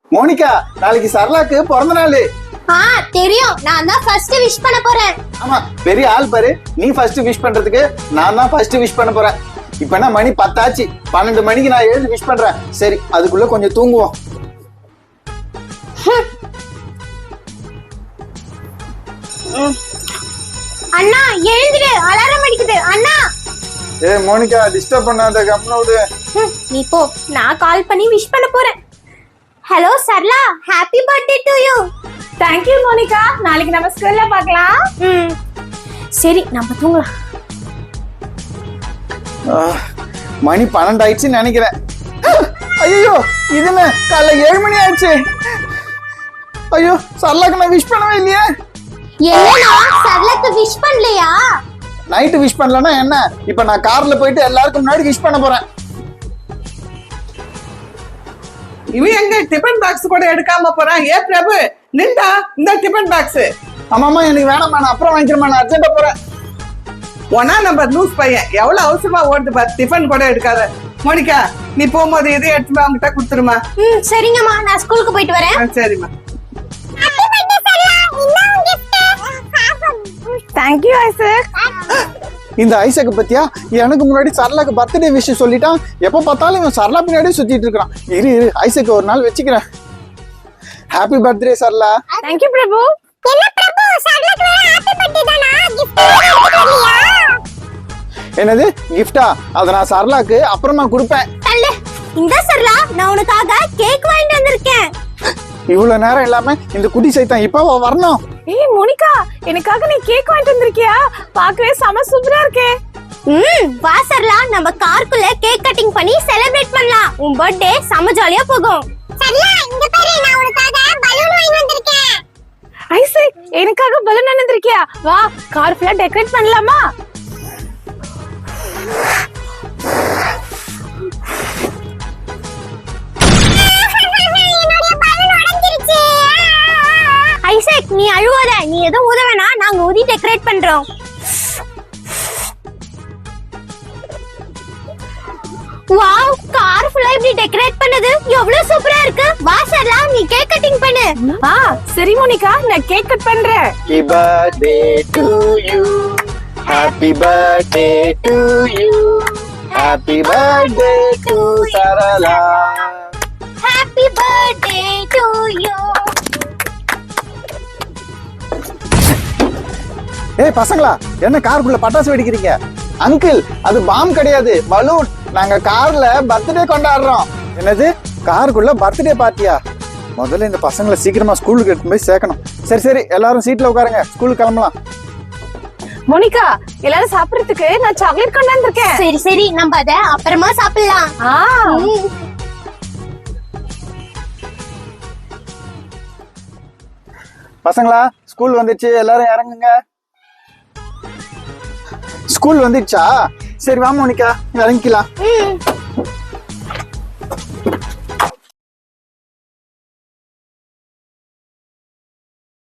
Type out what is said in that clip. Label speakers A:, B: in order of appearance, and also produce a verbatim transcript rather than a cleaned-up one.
A: Monica, நாளைக்கு சரளாக்கு பிறந்த நாள்.
B: ஆ தெரியும், நான் தான் ஃபர்ஸ்ட் விஷ் பண்ண போறேன்.
A: ஆமா, பெரிய ஆள் பாரு. நீ ஃபர்ஸ்ட் விஷ் பண்றதுக்கு நான் தான் ஃபர்ஸ்ட் விஷ் பண்ண போறேன். இப்ப என்ன மணி பத்தாச்சு, பன்னெண்டு மணிக்கு நான் எழுந்து விஷ் பண்றேன். சரி, அதுக்குள்ள கொஞ்சம் தூங்குவோம்.
B: அண்ணா எழுந்திரு, அலாரம் அடிக்குது. அண்ணா
A: ஏ மோனிகா, டிஸ்டர்ப் பண்ணாத, கம்முனு விடு.
B: நீ போ, நான் கால் பண்ணி விஷ் பண்ண போறேன். Hello Sarala, happy birthday to you.
C: Thank you Monica, நாளைக்கு நம்ம ஸ்கூல்ல பார்க்கலாம்.
B: ம் சரி, நம்ம தூங்கலாம்.
A: மணி பன்னெண்டு ஆயிடுச்சுன்னு நினைக்கிறேன். ஐயோ, இது என்ன காலைல ஏழு மணி ஆயிடுச்சு. ஐயோ, சரளாக்கு நான் விஷ் பண்ணவே இல்லையே.
B: என்னன்னா சரளாக்கு விஷ் பண்ணலையா?
A: நைட்டு விஷ் பண்ணலன்னா என்ன? இப்ப நான் கார்ல போயிட்டு எல்லாருக்கும் முன்னாடி விஷ் பண்ண போறேன்.
D: இவன் எங்க டிபன் பாக்ஸ் கூட எடுக்காம போறான்? ஏ பிரபு, நின்றா இந்த டிபன் பாக்ஸ்.
A: ஆமாமா, எனக்கு வேணாமா, நான் அப்புறம் வாங்கிக்கிறேன், நான் அர்ஜென்ட்டா போறேன்.
D: ஒன்னா நம்பர் லூஸ் பையன் எவ்வளவு அவசரமா ஓடுது பாரு. டிபன் கூட எடுக்காத. மோனிகா, நீ போகும்போது எதையும் எடுத்து அவங்ககிட்ட கொடுத்துருமா.
B: ம் சரிங்கம்மா, நான் ஸ்கூலுக்கு போயிட்டு வரேன்.
D: ஆ, சரிம்மா.
C: Thank you Isaac.
A: இந்த ஐசக்கு பத்தியா, எனக்கு முன்னாடி சரளாக்கு பர்த்டே விஷ் சொல்லிட்டான். எப்ப பார்த்தாலும் இவன் சரளா பின்னாடியே சுத்திட்டு இருக்கான். இரு இரு, ஐசக்கு ஒரு நாள் வச்சுக்கிறேன். Happy birthday Sarala.
C: Thank you Prabhu.
B: என்ன பிரபு, சரளாக்கு ஹாப்பி பர்த்டே தானா? கிஃப்ட் எடுத்துக்கலையா?
A: என்னது கிஃப்டா? அத நான் சரளாக்கு அப்புறமா கொடுப்பேன்.
B: தள்ளு. இந்த சரளா, நான் உனக்காக கேக் வாங்கிட்டு வந்திருக்கேன்.
A: இவ்வளவு நேரம் இல்லாம இந்த குட்டி சைத்தான் இப்ப வரணும்.
C: ஏய் மோனிகா, எனக்காக நீ கேக் வாங்கிட்டு வந்திருக்கியா? பார்க்கவே செம சூப்பரா இருக்கே.
B: ம் வா சரளா, நம்ம கார்க்குள்ள கேக் கட்டிங் பண்ணி செலிப்ரேட் பண்ணலாம். உன் பர்த்டே செம ஜாலியா போகும். சரளா, இங்க பாரு, நான் உனக்காக பலூன் வாங்கி வந்திருக்கேன்.
C: ஐசக், எனக்காக பலூன் வாங்கி வந்திருக்கியா? வா, கார் ஃபுல்லா டெக்கரேட் பண்ணலாமா?
B: ஐசக், நீ அழுவாத. நீ எதுவும் ஊத வேணாம், நாங்க ஊதி டெக்கரேட் பண்றோம். வாவ், கார் ஃபுல்லா இப்படி டெக்கரேட் பண்ணது எவ்வளவு சூப்பரா இருக்கு. வா சரளா, நீ கேக் கட்டிங் பண்ணு.
C: ஆ சரி மோனிகா, நான் கேக் கட் பண்றேன்.
A: Happy birthday to you. Happy birthday to you. Happy birthday to Sarala.
B: Happy birthday to you.
A: ஏய் பசங்களா, என்ன காருக்குள்ள பட்டாசு வெடிக்கிறீங்க? அங்கிள், அது பாம் கிடையாது, பலூன். நாங்க கார்ல பர்த்டே கொண்டாடுறோம். என்னது, காருக்குள்ள பர்த்டே பார்ட்டியா? முதல்ல இந்த பசங்களை சீக்கிரமா ஸ்கூலுக்கு எடுத்து போய் சேர்க்கணும். சரி சரி, எல்லாரும் சீட்ல உட்காருங்க, ஸ்கூலுக்கு கிளம்பலாம்.
C: மோனிகா, எல்லாரும் சாப்பிடுறதுக்கு நான் சாக்லேட் கொண்டு வந்திருக்கேன்.
B: சரி சரி, நம்ம அத அப்புறமா சாப்பிடலாம்.
C: ஆ
B: ம்.
A: பசங்களா, ஸ்கூல் வந்துச்சு, எல்லாரும் இறங்குங்க. ஸ்கூல் வந்துடுச்சா? சரி வா மோனிகா, இறங்கிக்கலாம்.
B: ம்